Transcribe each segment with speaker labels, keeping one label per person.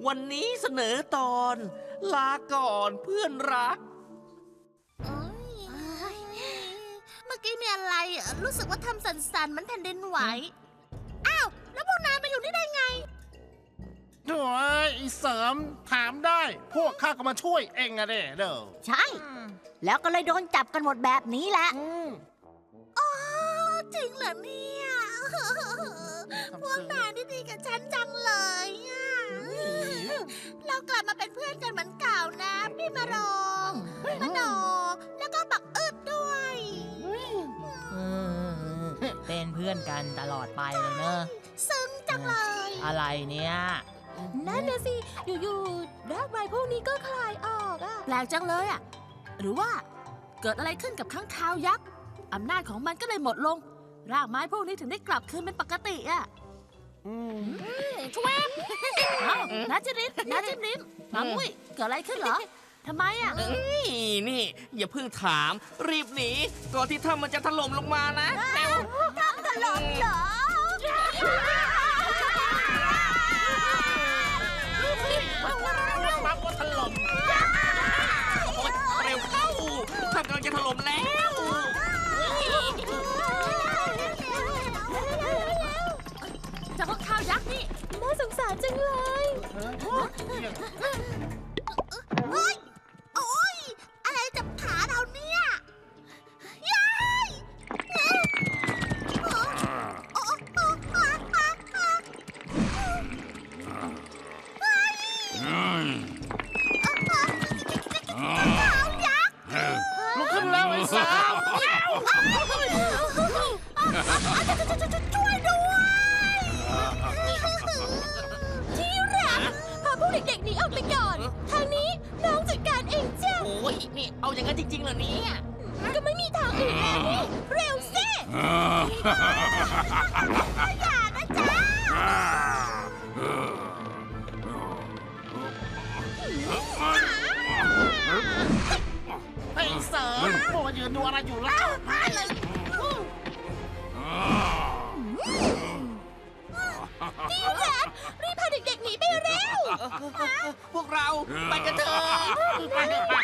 Speaker 1: วันนี้เสนอตอน ลาก่อนเพื่อนรัก
Speaker 2: เมื่อกี้มีอะไรรู้สึกว่าทำสั่นๆเหมือนแผ่นดินไหวอ้าวแล้วพวกนายมาอยู่นี่ได้ไง
Speaker 3: โถ่ไอ้เสริมถามได้ พวกข้าก็มาช่วยเองอะเด้อ
Speaker 4: ใช่ แล้วก็เลยโดนจับกันหมดแบบนี้แหละ
Speaker 2: อ๋อจริงเหรอเนี่ยพวกนายนี่ดีกับฉันจังเลยอะเรากลับมาเป็นเพื่อนกันเหมือนเก่านะ พี่มารองมโนแล้วก็บักอึดด้วย
Speaker 5: เป็นเพื่อนกันตลอดไปเลยเนอะ
Speaker 2: ซึ้งจังเลย
Speaker 5: อะไรเนี่ย
Speaker 6: นั่นนะสิ อยู่ๆรากไม้พวกนี้ก็คลายออกอ่ะ
Speaker 2: แปลกจังเลยอะหรือว่าเกิดอะไรขึ้นกับค้างคาวยักษ์อำนาจของมันก็เลยหมดลง รากไม้พวกนี้ถึงได้กลับคืนเป็นปกติอะช่วยเอ้านาจิรินนาจิมริมมามุ้ยเกิดอะไรขึ้นเหรอทำไมอะ
Speaker 1: นี่ อย่าเพิ่งถาม รีบหนีก่อนที่ถ้ำมันจะถล่มลงมานะเร็ว
Speaker 2: ถล่มเหรอ
Speaker 3: ปั๊บก็ถล่ม
Speaker 1: โอ๊ยเร็วเข้าถ้ำกำลังจะถล่มแล้ว
Speaker 2: เจ้าข้าวยักษ์นี่
Speaker 6: น่าสงสารจังเลย
Speaker 2: โอ๊ยโอ๊ยอะไรจับขาเราเนี่ยยาย
Speaker 3: ลุกขึ้นแล้วไอ้เสริม
Speaker 2: ช่วยด้วย
Speaker 6: ที่รักพาพวกเด็กๆหนีออกไปก่อน ทางนี้น้องจัดการเองจ้ะ
Speaker 1: โอ้ยนี่เอาอย่างนั้นจริงๆเหรอเนี่ย
Speaker 6: ก็ไม่มีทางอื่นแล้วนี่ เร็วสิ
Speaker 2: อย่านะจ๊ะ
Speaker 3: ไอ้เสริมโมวยืนดูอะไรอยู่แล้ว
Speaker 6: รีบพาเด็กๆหนีไปเร็ว
Speaker 1: พวกเราไปกันเถอะ
Speaker 3: ไปเถอะไป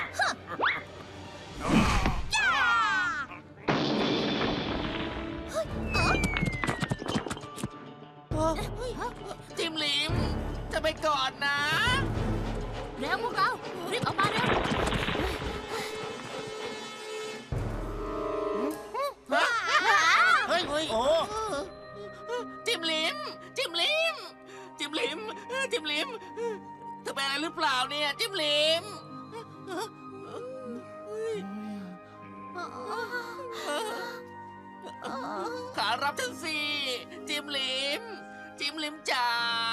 Speaker 1: จิมลิม จะไปก่อนนะ
Speaker 2: เร็วพวกเรา รีบออกมาเร็ว
Speaker 3: เฮ้ยโอ้
Speaker 1: จิมลิม จิมลิม จิมลิม จิมลิมเธอเป็นอะไรหรือเปล่าเนี่ย จิมลิม ขารับฉันสิ จิมลิม จิมลิมจ๋า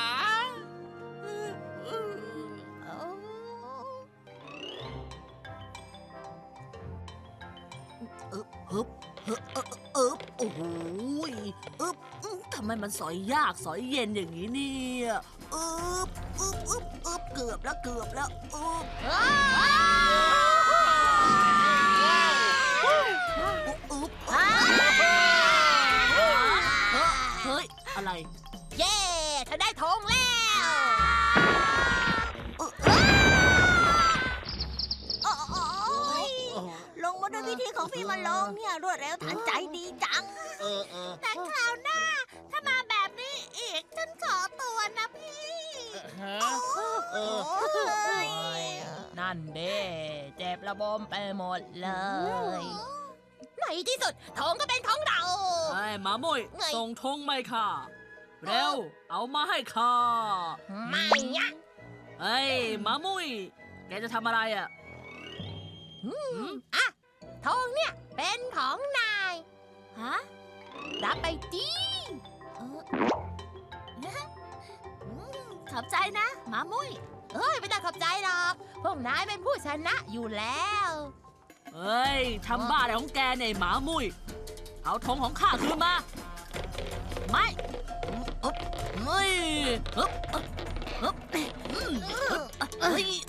Speaker 2: โอ้โหอึบทำไมมันสอยยากสอยเย็นอย่างนี้เนี่ยอึบเกือบแล้วเฮ้ย อะไร
Speaker 4: เย้เธอได้ธงแล้วลงมาด้วยวิธีของพี่มาลองเนี่ยรวดเร็วทันใจดีจัง
Speaker 2: แต่คราวหน้า ถ้ามาแบบนี้อีก ฉันขอตัวนะพี่
Speaker 3: ฮะเออ
Speaker 5: นั่นเด้เจ็บระบมไปหมดเลย
Speaker 4: ในที่สุดธงก็เป็นของเรา
Speaker 7: ไอ้หมามุ้ย
Speaker 4: ไง
Speaker 7: ส่งธงไม่ค่ะ เร็ว เอามาให้ข้า
Speaker 4: ไม่อะ
Speaker 7: เฮ้ยหมามุ้ย แกจะทำอะไรอ่ะ
Speaker 4: ธงเนี่ยเป็นของนาย
Speaker 2: ฮะ
Speaker 4: รับไปดิ
Speaker 2: ขอบใจนะหมามุ้ย
Speaker 4: เฮ้ยไม่ต้องขอบใจหรอก พวกนายเป็นผู้ชนะอยู่แล้ว
Speaker 7: เฮ้ย ทำบ้าอะไรของแกเนี่ยหมามุ้ย เอาธงของข้าคืนมา ไม่เฮ้ยอึ๊บอึ๊บเฮ้ย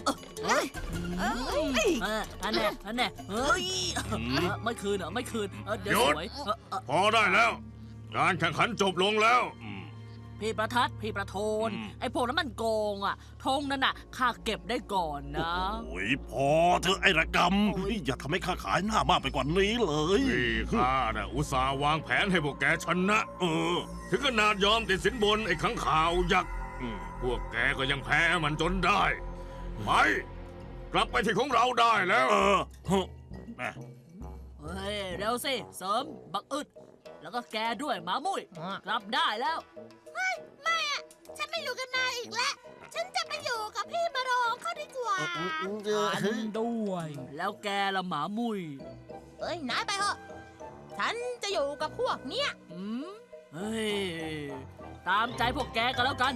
Speaker 7: อันเนี้ยเฮ้ยไม่คืนเหรอไม่คืนเดี๋ยว
Speaker 8: หยุด
Speaker 7: สวย
Speaker 8: พอได้แล้ว การแข่งขันจบลงแล้ว
Speaker 7: พี่ประทัด พี่ประโทน ไอ้พวกนั้นมันโกงอ่ะธงนั่นน่ะข้าเก็บได้ก่อนนะ
Speaker 8: โอ้ยพอเธอะไอ้ระกำอย่าทำให้ข้าขายหน้ามากไปกว่านี้เลย
Speaker 9: นี่ข้าน่ะอุตส่าห์วางแผนให้พวกแกชนะ ถึงขนาดยอมติดสินบนไอ้ขังข่าวยักษ์พวกแกก็ยังแพ้มันจนได้ไปกลับไปที่ของเราได้แล้ว
Speaker 8: แม่
Speaker 7: เฮ้ย เร็วสิ เสริม บักอึด แล้วก็แกด้วยหมามุ้ย กลับได้แล้ว
Speaker 2: ไม่อะฉันไม่อยู่กับนายอีกแล้ว ฉันจะไปอยู่กับพี่มาลองเขาดีกว่า
Speaker 5: ฉันด้วย
Speaker 7: แล้วแกละหมามุ้ย
Speaker 6: เอ้ยนายไปเถอะ ฉันจะอยู่กับพวกเนี้ย
Speaker 7: เฮ้ย ตามใจพวกแกกันแล้วกัน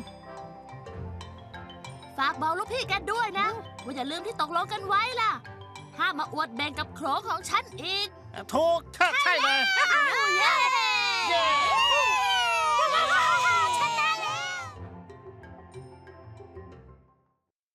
Speaker 2: ฝากบอกลูกพี่แกด้วยนะ ว่าอย่าลืมที่ตกลงกันไว้ล่ะ ห้ามมาอวดแบ่งกับโขลงของฉันอีก
Speaker 3: ถูกใช่เลย
Speaker 2: เย้